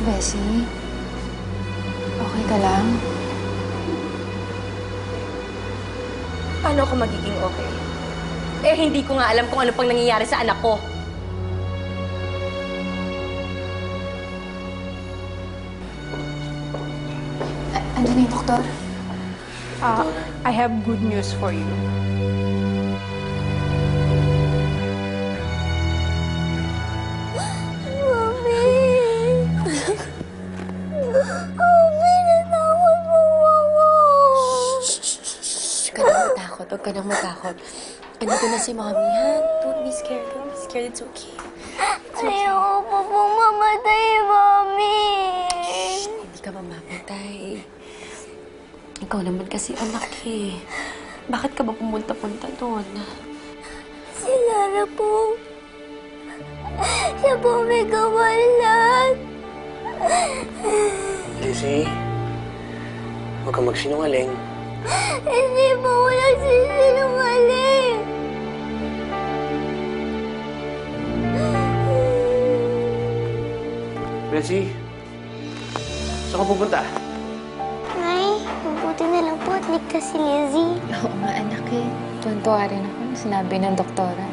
Bessie? Okay ka lang? Paano ako magiging okay? Eh, hindi ko nga alam kung ano pang nangyayari sa anak ko. Ano na yung doktor? I have good news for you. Mami! Mami, natakot po ako! Huwag ka nang matakot. Huwag ka nang matakot. Andito na si Mommy, ha? Don't be scared. Don't be scared. It's okay. Ayoko po pong mamatay, Mami! Hindi ka mamamatay. Ikaw naman kasi anak eh. Bakit ka ba pumunta-punta doon? Si Lara po. Siya po may kawalan. Lizzie, huwag kang magsinungaling. Hindi po ako nagsisinungaling. Lizzie, saan ka pupunta? Nay, mabuti na lang po at ligtas si Lizzie. Oo nga, anak eh. Tuwan-tuwa rin ako nung sinabi ng doktora.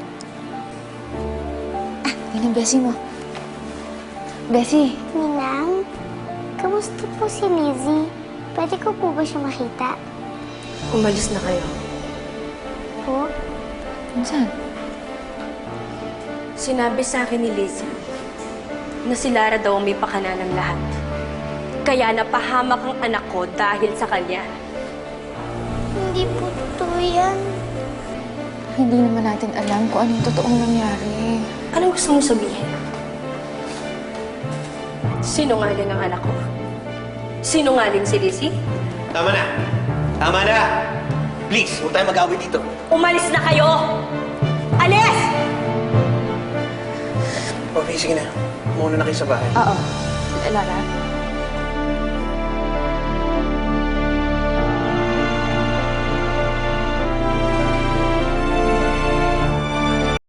Yun ang Bessie mo. Bessie! Ninang, kamusta po si Lizzie? Pwede ko po ba siya makita? Umalis na kayo. Po? Saan? Sinabi sa akin ni Lizzie na si Lara daw ang may pakana ng lahat. Kaya napahamak ang anak ko dahil sa kanya. Hindi po totoo yan. Hindi naman natin alam kung anong totoong nangyari. Anong gusto mong sabihin? Sinungaling ang anak ko. Sinungaling si Lizzie? Tama na! Tama na! Please, huwag tayo mag-away dito. Umalis na kayo! Alis! Okay, sige na. Muna na kayo sa bahay. Oo. Lara?